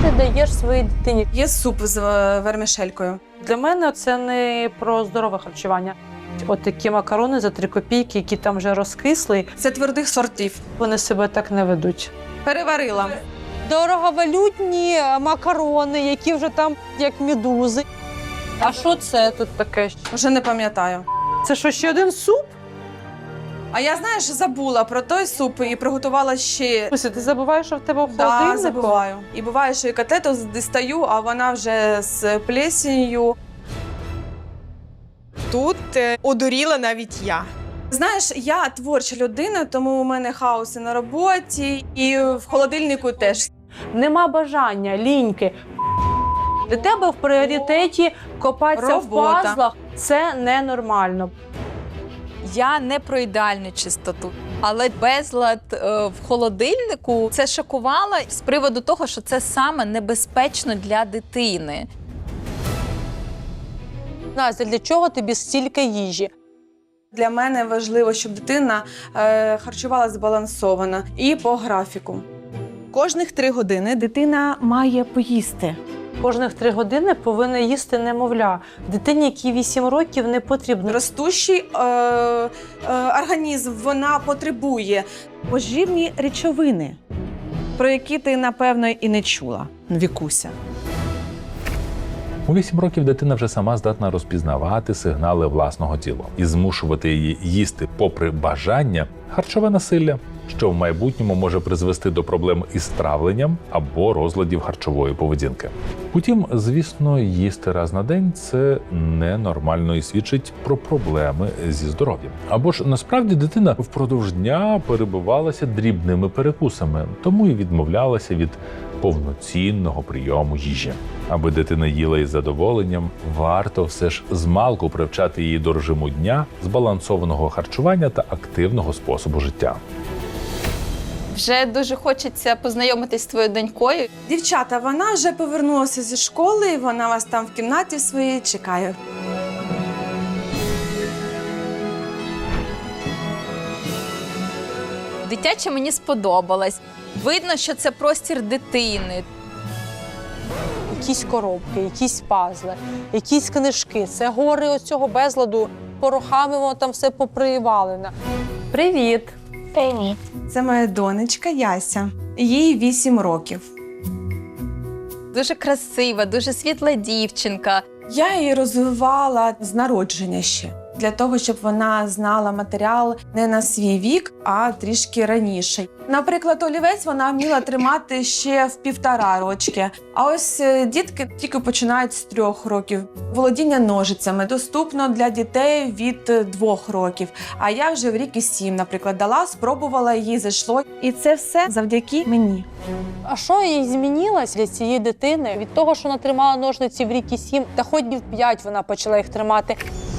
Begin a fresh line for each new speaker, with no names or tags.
ти даєш своїй дитині?
Є суп з вермішелькою.
Для мене це не про здорове харчування. От такі макарони за 3 копійки, які там вже розкисли,
Це твердих сортів.
вони себе так не ведуть.
Переварила.
Дороговалютні макарони, які вже там як медузи. А що це тут таке?
Вже не пам'ятаю.
Це що, ще один суп?
А я, знаєш, забула про той суп і приготувала ще.
Ось, ти забуваєш, що в тебе в
Да,
холодильнику?
забуваю. І буває, що і котлету дістаю, а вона вже з плесенью.
Тут одуріла навіть я.
Знаєш, я творча людина, тому у мене хаос і на роботі, і в холодильнику теж.
Нема бажання, ліньки. Для тебе в пріоритеті копатися в
Робота.
пазлах. Це ненормально.
Я не про ідеальну чистоту, але безлад в холодильнику це шокувало з приводу того, що це саме небезпечно для дитини.
Настя, для чого тобі стільки їжі?
Для мене важливо, щоб дитина харчувалася збалансовано і по графіку.
Кожних 3 години дитина має поїсти.
Кожних 3 години повинна їсти немовля. Дитині, якій 8 років, не потрібно.
Ростущий організм вона потребує,
Поживні речовини, про які ти, напевно, і не чула, Вікуся.
У 8 років дитина вже сама здатна розпізнавати сигнали власного тіла і змушувати її їсти попри бажання харчове насилля, що в майбутньому може призвести до проблем із травленням або розладів харчової поведінки. Утім, звісно, їсти раз на день – це ненормально і свідчить про проблеми зі здоров'ям. Або ж насправді дитина впродовж дня перебивалася дрібними перекусами, тому і відмовлялася від повноцінного прийому їжі. Аби дитина їла із задоволенням, варто все ж змалку привчати її до режиму дня, збалансованого харчування та активного способу життя.
Вже дуже хочеться познайомитись з твоєю донькою.
Дівчата, вона вже повернулася зі школи, вона вас там в кімнаті своїй чекає.
Дитяче мені сподобалось. Видно, що це простір дитини.
Якісь коробки, якісь пазли, якісь книжки. Це гори ось цього безладу. Порохами воно там все попривалено. Привіт!
Привіт.
Це моя донечка Яся. Їй 8 років.
Дуже красива, дуже світла дівчинка.
Я її розвивала з народження ще. Для того, щоб вона знала матеріал не на свій вік, а трішки раніше. Наприклад, олівець вона вміла тримати ще в 1,5 рочки. А ось дітки тільки починають з 3 років. Володіння ножицями доступно для дітей від 2 років. А я вже в рік і 7, наприклад, дала, спробувала, їй зайшло.
І це все завдяки мені.
А що їй змінилось для цієї дитини? Від того, що вона тримала ножниці в рік і 7, та хоч і в 5 вона почала їх тримати.